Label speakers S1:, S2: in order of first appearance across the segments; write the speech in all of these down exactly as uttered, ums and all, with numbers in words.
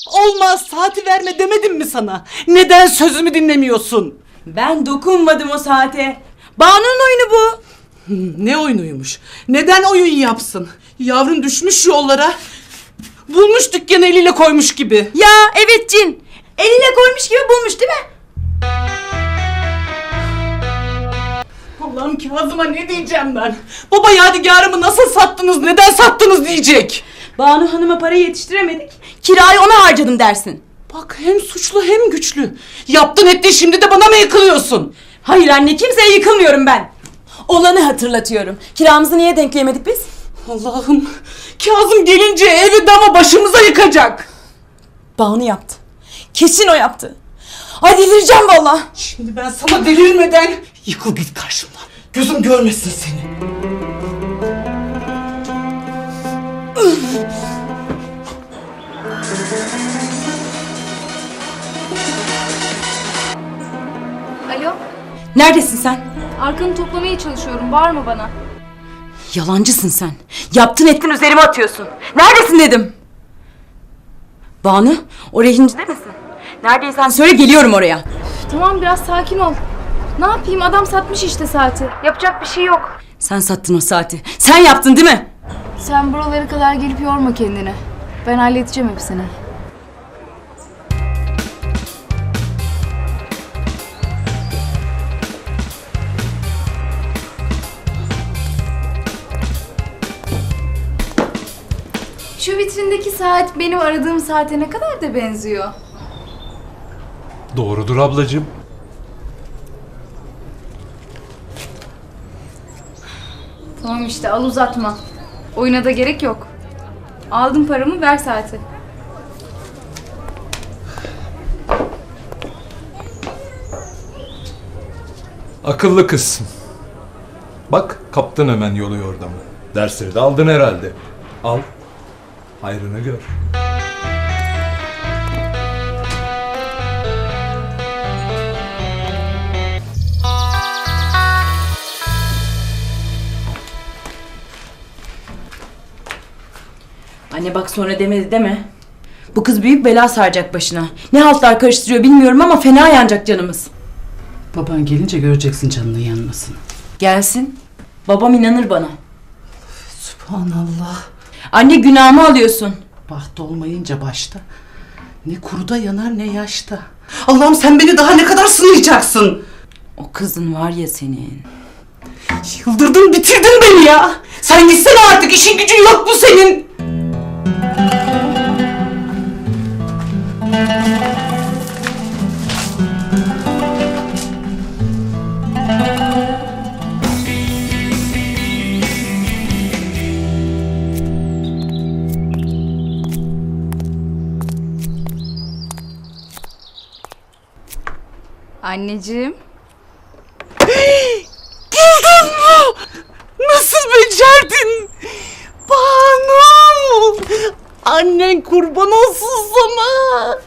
S1: Olmaz, saati verme demedim mi sana? Neden sözümü dinlemiyorsun?
S2: Ben dokunmadım o saate. Banu'nun oyunu bu.
S1: Ne oyunuymuş? Neden oyun yapsın? Yavrun düşmüş yollara. Bulmuş dükkanı eliyle koymuş gibi.
S2: Ya evet cin. Eline koymuş gibi bulmuş değil mi?
S1: Allah'ım Kazım'a ne diyeceğim ben? Baba yadigarımı nasıl sattınız, neden sattınız diyecek.
S2: Banu Hanım'a parayı yetiştiremedik. Kirayı ona harcadım dersin.
S1: Bak hem suçlu hem güçlü. Yaptın ettin, şimdi de bana mı yıkılıyorsun?
S2: Hayır anne, kimseye yıkılmıyorum ben. Olanı hatırlatıyorum. Kiramızı niye denkleyemedik biz?
S1: Allah'ım, Kazım gelince evi dama başımıza yıkacak.
S2: Banu yaptı. Kesin o yaptı. Ay delireceğim valla.
S1: Şimdi ben sana delirmeden yıkıl git karşımdan. Gözüm görmesin seni.
S3: Alo,
S2: Neredesin sen?
S3: arkanı toplamaya çalışıyorum. Bağırma bana.
S2: Yalancısın sen. Yaptın ettin üzerime atıyorsun. Neredesin dedim. Banu, o rehincide misin? Neredeysen söyle, geliyorum oraya.
S3: Tamam, biraz sakin ol. Ne yapayım? Adam satmış işte saati. Yapacak bir şey yok.
S2: Sen sattın o saati. Sen yaptın değil mi?
S3: Sen buralara kadar gelip yorma kendini. Ben halledeceğim hepsini. Şu vitrindeki saat benim aradığım saate ne kadar da benziyor.
S4: Doğrudur ablacığım.
S3: Tamam işte, al uzatma. Oyuna da gerek yok. Aldım paramı, ver saati.
S4: Akıllı kızsın. Bak kaptın hemen yolu yordamı. Dersleri de aldın herhalde. Al. Hayrını gör.
S2: Anne bak, sonra demedi deme. Bu kız büyük bela saracak başına. Ne haltlar karıştırıyor bilmiyorum ama fena yanacak canımız.
S1: Baban gelince göreceksin canının yanmasını.
S2: Gelsin. Babam inanır bana.
S1: Subhanallah.
S2: Anne, günahımı alıyorsun.
S1: Baht olmayınca başta. Ne kuruda yanar ne yaşta. Allah'ım sen beni daha ne kadar sınayacaksın?
S2: O kızın var ya senin.
S1: Yıldırdın bitirdin beni ya. Sen gitsene artık, işin gücün yok mu senin?
S3: Anneciğim.
S1: Buldun mu? Nasıl becerdin? Banu! Annen kurban olsun sana.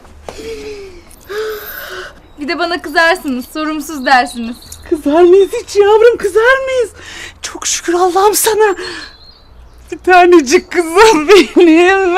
S3: Bir de bana kızarsınız, sorumsuz dersiniz.
S1: Kızar mıyız hiç yavrum, kızar mıyız? Çok şükür Allah'ım sana. Bir tanecik kızım benim.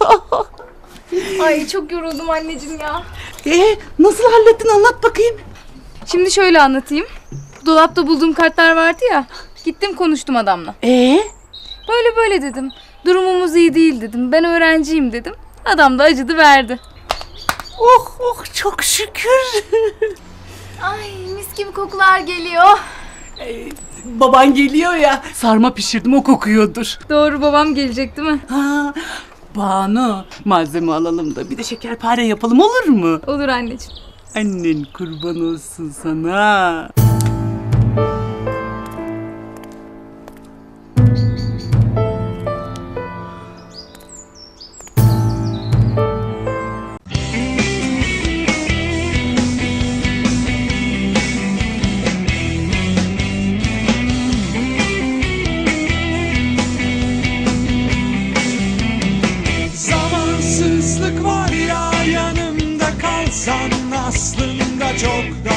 S3: Ay çok yoruldum anneciğim ya.
S1: Ee, nasıl hallettin, anlat bakayım.
S3: Şimdi şöyle anlatayım. Dolapta bulduğum kartlar vardı ya. Gittim konuştum adamla.
S1: Ee?
S3: Böyle böyle dedim. Durumumuz iyi değil dedim. Ben öğrenciyim dedim. Adam da acıdı verdi.
S1: Oh oh, çok şükür.
S3: Ay mis gibi kokular geliyor.
S1: Ee, baban geliyor ya, sarma pişirdim, o kokuyordur.
S3: Doğru, babam gelecek değil mi?
S1: Ha, Banu, malzeme alalım da bir de şekerpare yapalım, olur mu?
S3: Olur anneciğim.
S1: Annen kurban olsun sana.
S5: Zamansızlık var ya, yanımda kalsan aslında çok da